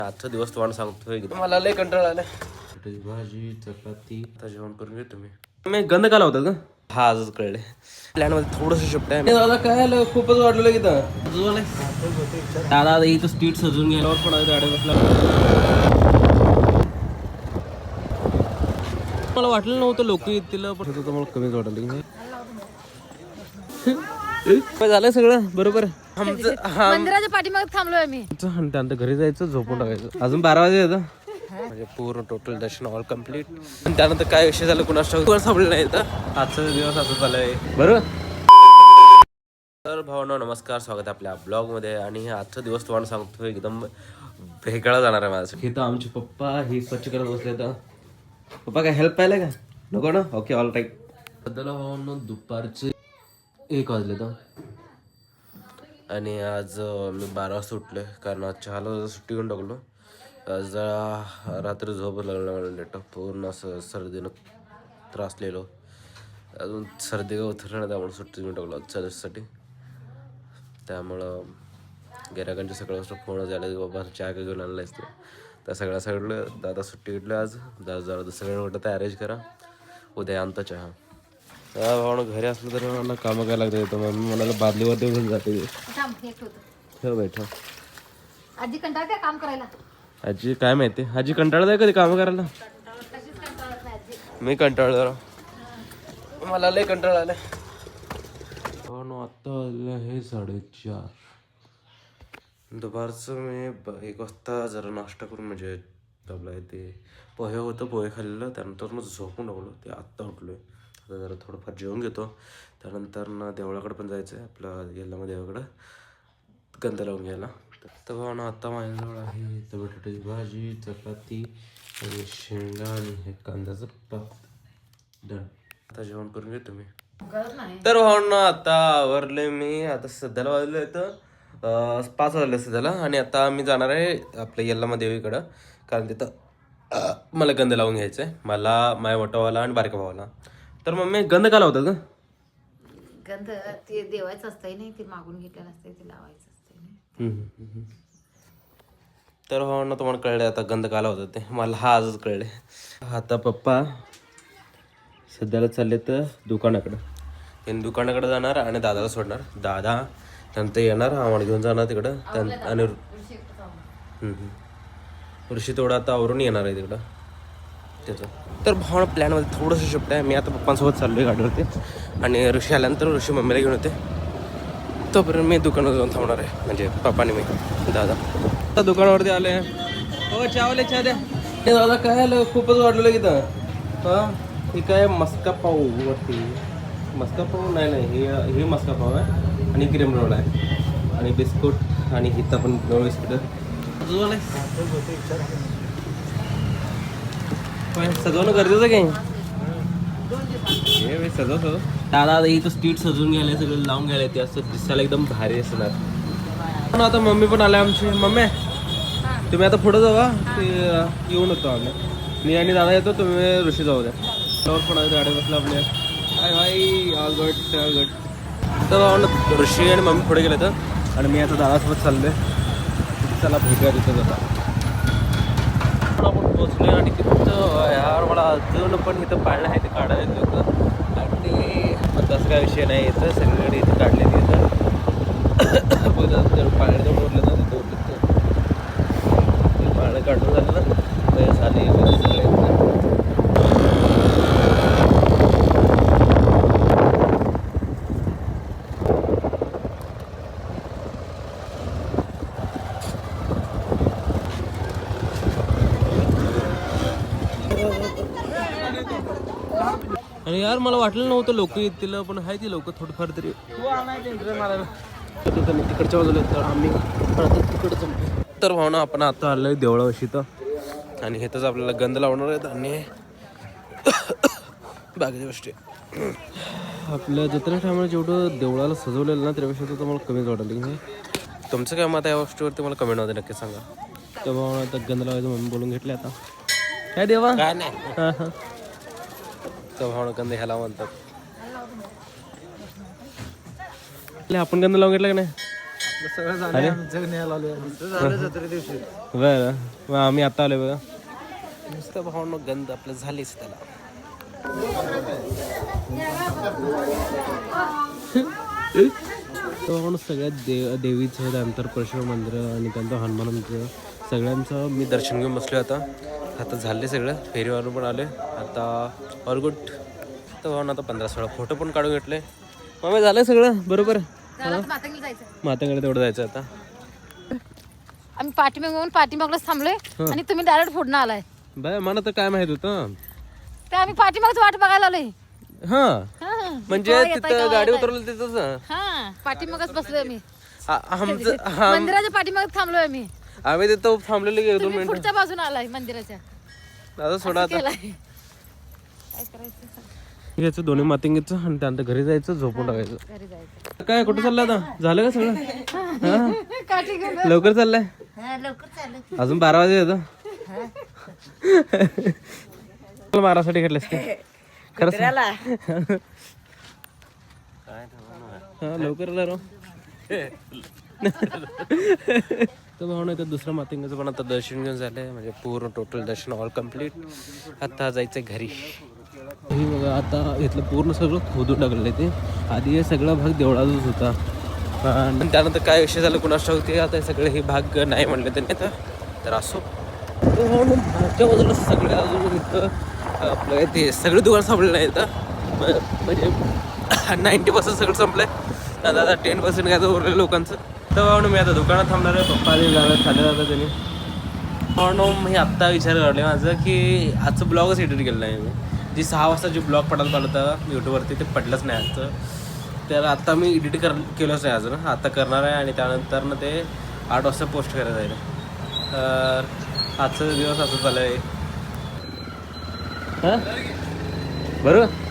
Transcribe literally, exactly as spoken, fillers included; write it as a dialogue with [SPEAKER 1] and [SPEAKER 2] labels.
[SPEAKER 1] आजचा दिवस तुम्हाला सांगतोय मला लय कंटाळा आलाय. भाजी चपाती आता जेवण करून घेतो मी. मी गंध काला होता का हा आजच कळले. प्लॅन मध्ये थोडस शिफ्ट आहे दादा. काय आलं खूपच वाढलेलं की दादा इथं स्ट्रीट सजून गेल्यावर पण गाडी बसला. मला वाटलं नव्हतं लोक येतील पण मला कमीच वाटलं. झालं सगळं बरोबर.
[SPEAKER 2] मंदिराच्या पाठीमागे थांबलोय आम्ही.
[SPEAKER 1] त्यानंतर घरी जायचं झोपून टाकायचं. अजून बारा वाजे येतं म्हणजे पूर्ण टोटल दर्शन ऑल कम्प्लीट. आणि त्यानंतर काय विषय झाला कुणाला सापडलं नाही तर आजचा दिवस असं झालंय बरोबर. तर भावना नमस्कार, स्वागत आहे आपल्या ब्लॉगमध्ये. आणि आजचा दिवस तुम्हाला सांगतो एकदम वेगळा जाणार आहे माझं. हे तर आमचे पप्पा हे स्वच्छ करत बसले. तर पप्पा काय हेल्प पाहिलं का नको ना. Okay all right. सध्याला भावना दुपारचे एक वाजले तर. आणि आज मी बारा वाजता उठलोय कारण आज चहाला सुट्टी घेऊन टाकलो. आज जरा रात्री झोप लागलं मला लेट. पूर्ण असं सर्दीनं त्रासलेलो. अजून सर्दी का उतरलं नाही त्यामुळे सुट्टी घेऊन टाकलो आजच्या दिवसासाठी. त्यामुळं गिरायकांचे सगळं वाजता फोन झाला की बाबा चहा का घेऊन आणला असतो. त्या सगळ्या सगळं दादा सुट्टी घेतलं आज. दादा जरा सगळं म्हटलं तर अरेंज करा उद्या आणता चहा. भावना घरी असलं तर मला कामं करायला लागतं येतं. मम्मी म्हणाला बादलीवरती घेऊन जाते. ठेव बैठा.
[SPEAKER 2] आजी कंटाळ काय काम करायला.
[SPEAKER 1] आजी काय माहिती आजी कंटाळत आहे कधी कामं करायला. मी कंटाळ जरा मला लय कंटाळ आलाय. आता वाजले आहे साडेचार. दुपारचं मी एक वाजता जरा नाश्ता करून म्हणजे आपलं ते पोहे होतं पोहे खाल्लेलं. त्यानंतर मग झोपून टाकलो. ते आत्ता उठलोय. आता जरा थोडंफार जेवून घेतो. त्यानंतर ना देवळाकडे पण जायचं आहे आपलं गेल्यामध्ये देवाकडं गंध लावून घ्यायला. तर भावना आता माझ्याजवळ आहे तर बटाट्याची भाजी चपाती आणि शेंगा आणि हे कांद्याचं पात डन. आता जेवण करून घेतो मी. तर भावना आता आवरले मी. आता सध्याला वाजले तर पाच वाजले सध्याला. आणि आता मी जाणार आहे आपल्या यल्लामा देवीकडं कारण तिथं मला गंध लावून घ्यायचं आहे. मला माझ्या मोठा भावाला आणि बारका भावाला. तर मम्मी गंध का लावतात का.
[SPEAKER 2] गंध ते देवायचं असतंय नाही ते मागून घेतलेलं असतंय ते लावायचं असतंय.
[SPEAKER 1] तर हो ना तुम्हाला कळलं आता गंध काला होतं ते मला हा आजच कळले. आता पप्पा सध्याला चालले तर दुकानाकडं. त्यांनी दुकानाकडे जाणार आणि दादाला सोडणार. दादा नंतर येणार आम्हाला घेऊन जाणार तिकडं. आणि ऋषी थोडं आता आवरून येणार आहे तिकडं त्याचं. तर भावना प्लॅनमध्ये थोडंसं शिफ्ट आहे. मी आता पप्पांसोबत चाललो आहे गाडीवरती आणि ऋषी आल्यानंतर ऋषी मम्मीला घेऊन येते. तोपर्यंत मी दुकानावर जाऊन थांबणार आहे म्हणजे पप्पाने मी दादा. आता दुकानावरती आले. हो चावले चहा द्या. हे दादा काय आलं खूपच वाढलेलं की तर हां हे काय मस्का पाव वरती. मस्का पाव नाही नाही हे हे मस्का पाव आहे आणि क्रीम रोल आहे आणि बिस्कुट आणि इथं पण रोल बिस्कुट सजवणं गरजेचं काय हे सजवतो. दादा इथं स्ट्रीट सजून घ्यायला सगळं लावून घ्यायला ते असं दिसायला एकदम भारी असणार. पण आता मम्मी पण आल्या आमची. मम्मी तुम्ही आता पुढं जावा ते येऊन होतो आम्ही. मी आणि दादा येतो तुम्ही ऋषी जाऊ द्या. त्यावर पण गाडी बसला आपल्या. Hi hi all good all good. तर ऋषी आणि मम्मी पुढे गेले तर आणि मी आता दादासोबत चाललोय. चला भेटूया तिथं जाता. आपण पोचलोय आणि तिथं यार मला अजून पण इथं पाळणं आहे ते काढायचं होतं. आणि तसं काय विषय नाही येतं सगळीकडे इथं काढले तिथं पाळणं जवळ उरलं ना तिथं उरलं ते पाळणं काढून झालं ना तर साधी सगळे. आणि यार मला वाटलं नव्हतं लोक येतील पण आहे ती लोक थोडंफार तरी तिकडच्या बाजूला तर आम्ही तिकडचं. तर भावना आपण आता आलोय देवळावशी तर आणि हेच आपल्याला गंध लावणार आहेत आणि बाकीच्या गोष्टी आपल्या जत्रा टायमाला जेवढं देवळाला सजवलेलं ना त्यापेक्षा तर मला कमीच वाटलं की. तुमचं काय मत आहे या गोष्टीवरती मला कमेंट मध्ये नक्की सांगा. तर भावना आता गंध लावायचं म्हणून बोलून घेतले. आता काय देवा काय नाही हां हां भावना गंध ह्याला म्हणतात. आपण गंध लावून घेतला का नाही बरं मग आम्ही आता आलोय बघा नुसतं भावनं गंध आपलं झालीच त्याला. तो म्हणून सगळ्यात देव देवीचं त्यानंतर परशुराम मंदिर आणि त्यानंतर हनुमान मंदिर सगळ्यांचं मी दर्शन घेऊन बसलो आता. आता झाले सगळं फेरीवरून पण आले आता ऑल गुड. तर भाऊन आता पंधरा सोळा फोटो पण काढून घेतले. मग झालं सगळं बरोबर. माताकडे तेवढं जायचं आता.
[SPEAKER 2] आम्ही पाठीमागून पाठीमागलाच थांबलोय आणि तुम्ही डायरेक्ट फोडणं आलाय.
[SPEAKER 1] बाय मला तर काय माहित होतं
[SPEAKER 2] ते आम्ही पाठीमागच वाट बघायला आलोय.
[SPEAKER 1] हा
[SPEAKER 2] हा.
[SPEAKER 1] म्हणजे
[SPEAKER 2] केव्हा येताय,
[SPEAKER 1] तिथं
[SPEAKER 2] केव्हा
[SPEAKER 1] गाडी
[SPEAKER 2] येताय.
[SPEAKER 1] उतरवलं तिथंच.
[SPEAKER 2] हा पाठीमागच बसलोय आम्ही.
[SPEAKER 1] आ- आमचं हा
[SPEAKER 2] मंदिराच्या पाठीमागच थांबलोय आम्ही.
[SPEAKER 1] आम्ही तिथं थांबलेलो की एक दोन
[SPEAKER 2] तुम्ही
[SPEAKER 1] मिनिटं.
[SPEAKER 2] पुढच्या बाजूला आलाय मंदिराच्या.
[SPEAKER 1] आता सोडा आता
[SPEAKER 2] केलाय. काय करायचं
[SPEAKER 1] घ्यायचं दोन्ही मातिंगीचं आणि त्यानंतर घरी जायचं झोपून टाकायचं.
[SPEAKER 2] घरी जायचं.
[SPEAKER 1] काय कुठं चाललंय आता झालं का सगळं
[SPEAKER 2] काठी घेऊन.
[SPEAKER 1] लवकर चाललंय
[SPEAKER 2] लवकर चालू.
[SPEAKER 1] अजून बारा वाजे येतं मारासाठी घेतलंस का खरंच हा लवकर आला राव. तर भाऊ नाही तर दुसरं मातिंगाचं पण आता दर्शन घेऊन झालंय म्हणजे पूर्ण टोटल दर्शन ऑल कम्प्लीट. आता जायचंय घरी. हे बघा आता इथलं पूर्ण सगळं खोदून टाकलेलं आहे ते. आधी हे सगळा भाग देवळाचाच होता आणि त्यानंतर काय विषय झालं कुणास ठाऊक ते आता सगळे हे भाग नाही म्हणले त्यांनी आता. तर असो मागच्या बाजूला सगळ्या अजून इथं आपलं ते सगळे दुकान संपलेलं आहे इथं म्हणजे नाईंटी पर्सेंट सगळं संपलंय. आता आता टेन पर्सेंट काय तर उरलेलं लोकांचं. तर म्हणून मी आता दुकानात थांबणार आहे. पप्पा जाणार खाल्लं जातं त्यांनी म्हणून मी आत्ता विचार करले माझं की आजचं ब्लॉगच एडिट केलं नाही मी. जी सहा वाजता जे ब्लॉग पडायला पाहिलं होतं यूट्यूबवरती ते पडलंच नाही आजचं. तर आत्ता मी एडिट कर केलंच नाही अजून. आता करणार आहे आणि त्यानंतर ना ते आठ वाजता पोस्ट करायचं आहे. तर आजचा दिवस असं चालू आहे हां बरोबर.